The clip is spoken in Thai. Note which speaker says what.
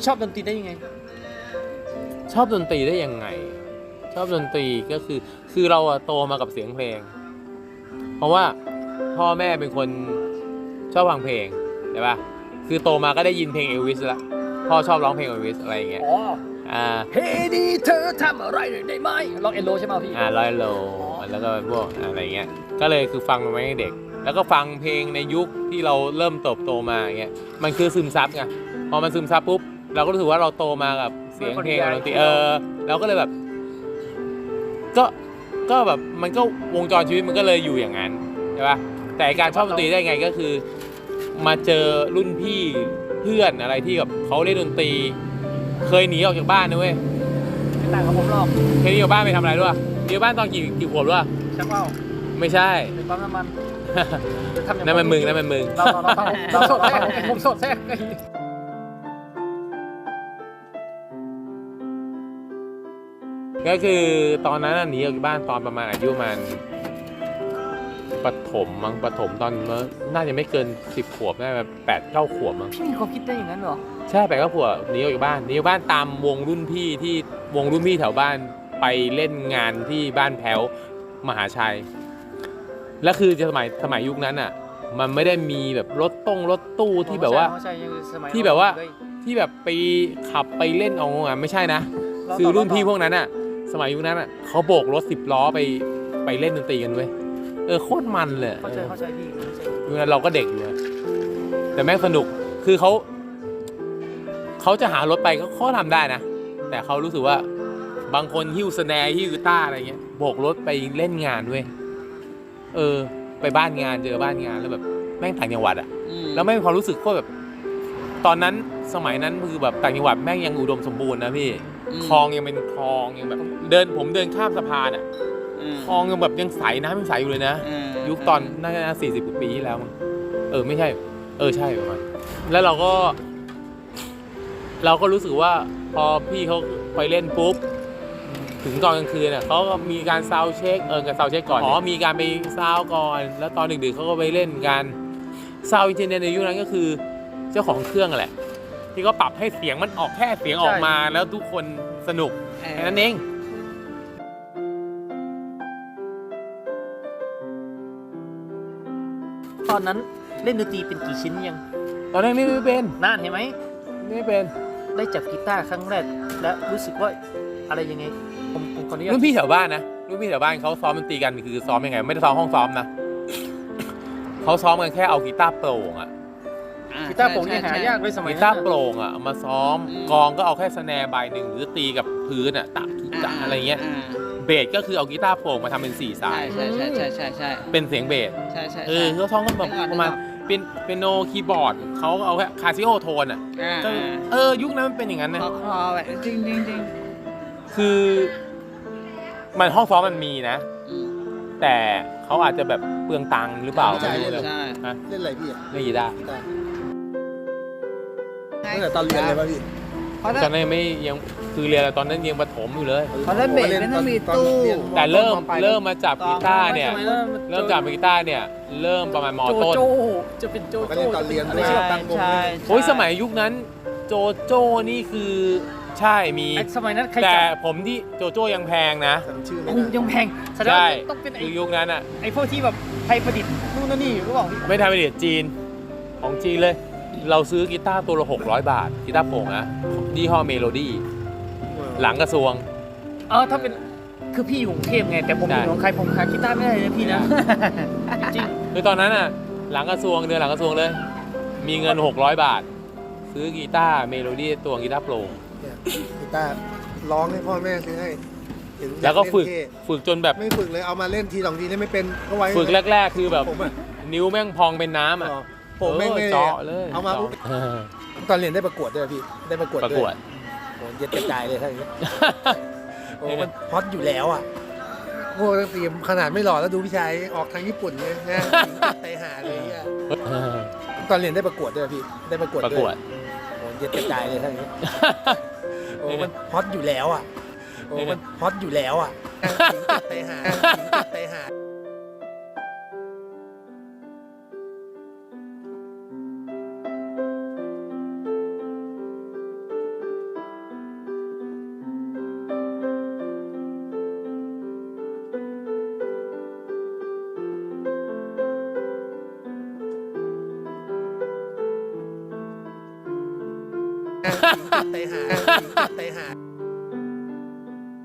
Speaker 1: ชอบดนตรีได้ยังไง
Speaker 2: ชอบดนตรีได้ยังไงชอบดนตรีก็คือเราโตมากับเสียงเพลงเพราะว่าพ่อแม่เป็นคนชอบฟังเพลงใช่ป่ะคือโตมาก็ได้ยินเพลงเอลวิสละพ่อชอบร้องเพลงเอลวิสอะไรอย่างเงี้ย
Speaker 1: เฮ้ดีเธอทำอะไรได้ไหมร้องเอโลใช่ไหมพี่
Speaker 2: ร้อยโลแล้วก็พวกอะไรเงี้ยก็เลยคือฟังมาตั้งแต่เด็กแล้วก็ฟังเพลงในยุคที่เราเริ่มเติบโตมาอย่างเงี้ยมันคือซึมซับไงพอมันซึมซับปุ๊บเราก็รู้สึกว่าเราโตมากับเสียงเพลงดนตรีเราก็เลยแบบก็แบบมันก็วงจรชีวิตมันก็เลยอยู่อย่างนั้นใช่ป่ะแต่การชอบดนตรีได้ไงก็คือมาเจอรุ่นพี่เพื่อนอะไรที่แบบเขาเล่นดนตรีเคยหนีออกจากบ้านนะเว้ย
Speaker 1: ไม่ต่างกับผมหรอก
Speaker 2: เคยหนีออกบ้านไปทำอะไรด้วยหนีออกบ้านตอนกี่ขวบด้วย
Speaker 1: ชักว่าว
Speaker 2: ไม่ใช่
Speaker 1: ในปั๊มน้ำมัน
Speaker 2: นั่นมันมึง
Speaker 1: เราโสดแท้ผมโสดแท้
Speaker 2: ก็คือตอนนั้นหนีออกจากบ้านตอนประมาณอายุมันประถมมั้งประถมตอนน่าจะไม่เกิน10 ขวบน่าจะ8-9 ขวบมั้ง
Speaker 1: พี่มีความคิดได้อย่างนั้นเหรอ
Speaker 2: ใช่8-9 ขวบหนีออกจากบ้านตามวงรุ่นพี่ที่วงรุ่นพี่แถวบ้านไปเล่นงานที่บ้านแพ้วมหาชัยแล้วคือสมัยยุคนั้นอ่ะมันไม่ได้มีแบบรถตู้ที่แบบว่าที่แบบไปขับไปเล่นเอางานไม่ใช่นะคือรุ่นพี่พวกนั้นอ่ะสมัยยุคนั้นอ่ะเขาโบกรถ10 ล้อไปเล่นดนตรีกันเว้ยโคตรมันเลย
Speaker 1: เข้าใจพี่
Speaker 2: ยุคนั้นเราก็เด็กอยู่แต่แม่งสนุกคือเขาจะหารถไปเขาทำได้นะแต่เขารู้สึกว่าบางคนหิ้วสแนร์หิ้วกีตาร์อะไรเงี้ยโบกรถไปเล่นงานเว้ยไปบ้านงานเจอบ้านงานแล้วแบบแม่งต่างจังหวัดอ่ะแล้วแม่งความรู้สึกก็แบบตอนนั้นสมัยนั้นคือแบบต่างจังหวัดแม่งยังอุดมสมบูรณ์นะพี่คลองยังเป็นคลองยังแบบผมเดินข้ามสะพานอ่ะคลองยังแบบยังใสน้ำยังใสอยู่เลยนะยุคตอนน่าจะ40 กว่าปีที่แล้วมั้งไม่ใช่ใช่ประมาณแล้วเราก็รู้สึกว่าพอพี่เขาไปเล่นปุ๊บถึงตอนกลางคืนน่ะเขาก็มีการซาวด์เช็คกับซาวด์เช็คก่อนมีการไปซาวด์ก่อนแล้วตอนดึกๆเขาก็ไปเล่นกันซาวด์อินเทอร์เน็ตในยุคนั้นก็คือเจ้าของเครื่องแหละที่เขาปรับให้เสียงมันออกแค่เสียงออกมาแล้วทุกคนสนุกแค่นั้นเอง
Speaker 1: ตอนนั้นเล่นดนตรีเป็นกี่ชิ้นยัง
Speaker 2: ตอนนั้นไม่เป็น
Speaker 1: นานเห็นไหม
Speaker 2: ไม่เป็น
Speaker 1: ได้จับกีตาร์ครั้งแรกและรู้สึกว่าอะไรยังไงผมขออนุญาต
Speaker 2: รุ่นพี่แถวบ้านนะรุ่นพี่แถวบ้านเขาซ้อมดนตรีกันคือซ้อมยังไงไม่ได้ซ้อมห้องซ้อมนะเขาซ้อมกันแค่เอากีตาร์โปร่ง
Speaker 1: กีตาร์โปร่งยังหายากเลยสมัยนั้น
Speaker 2: กีตาร์โปร่งมาซ้อมกองก็เอาแค่สแนร์ใบหนึ่งหรือตีกับพื้นตักอะไรเงี้ยเบสก็คือเอากีตาร์โปร่งมาทำเป็น4 สาย
Speaker 3: ใช่
Speaker 2: เป็นเสียงเบส
Speaker 3: ใช่
Speaker 2: เขาซ้อมกันแบบประมาณเป็นโนคีย์บอร์ดเขาเอาแค่คาซิโอโทนก็ยุคนั้นมันเป็นอย่างนั้นนะ
Speaker 3: คอแบบจริง
Speaker 2: คือมันห้องซ้อมมันมีนะแต่เขาอาจจะแบบเปลืองตังค์หรือเปล่าไม่รู้เลย
Speaker 4: เล่นอะไรพี่
Speaker 2: เล่นกีตาร์
Speaker 4: ตั้งแต่ตอนเรียนเลยป่ะพี่
Speaker 2: ตอนนั้นไม่ยังคือเรียนตอนนั้นยังประถมอยู่เลย
Speaker 3: ตอนนั้นเบสไม่ต้องมีตู้
Speaker 2: แต่เริ่มมาจับกีตาร์เนี่ยเริ่มจับกีตาร์เนี่ยเริ่มประมาณม.ต้น
Speaker 1: จะเป็นโจ
Speaker 4: โจ้ตอนเรียนไม่ใช่ตั้งวง
Speaker 2: โอ้ยสมัยยุคนั้นโจโจ้นี่คือใช่มี
Speaker 1: สมัยนั้น
Speaker 2: แต่ผมที่โจโจ้ยังแพงนะ
Speaker 1: ยังแพง
Speaker 2: ใช่
Speaker 1: ต้องเป็น
Speaker 2: คือยุคนั้น
Speaker 1: ไอ้พวกที่แบบไทยประดิษฐ์นู่นนั่นนี่หรือเปล่า
Speaker 2: ไม่ไทยประดิษฐ์จีนของจีนเลยเราซื้อกีตาร์ตัวละ600 บาทกีตาร์โปร่งนะยี่ห้อเมโลดี้หลังกระทรวง
Speaker 1: ถ้าเป็นคือพี่อยู่กรุงเทพไงแต่ผมอยู่หนองคายผมหากีตาร์ไม่ได้เลยพี่นะจริง
Speaker 2: คือตอนนั้นหลังกระทรวงเดือนหลังกระทรวงเลยมีเงิน600 บาทซื้อกีตาร์เมโลดี้ตัวกีตาร์โปร่ง
Speaker 4: กีตาร์ร้องให้พ่อแม่ซื้อให้
Speaker 2: แล้วก็ฝึกจนแบบ
Speaker 4: ไม่ฝึกเลยเอามาเล่นที2 ทีไม่เป็นก็ไว้
Speaker 2: ฝึกแรกๆคือแบบนิ้วแม่งพองเป็นน้ำ
Speaker 4: ผมไม่
Speaker 2: เจาะเลย
Speaker 4: เอามาตอนเรียนได้ประกวดด้วยพี่ได้ประกวดโอ้เย็ดกระจายเลยท่านี้มันฮอตอยู่แล้วพวกนักเรียนขนาดไม่หล่อแล้วดูพี่ชายออกทางญี่ปุ่นเลยนะไตหาเลยตอนเรียนได้ประกวดด้วยพี่ได้ประกวดโอ้เย็ดกระจายเลยท่านี้มันฮอตอยู่แล้วมันฮอตอยู่แล้วไตหาไปหา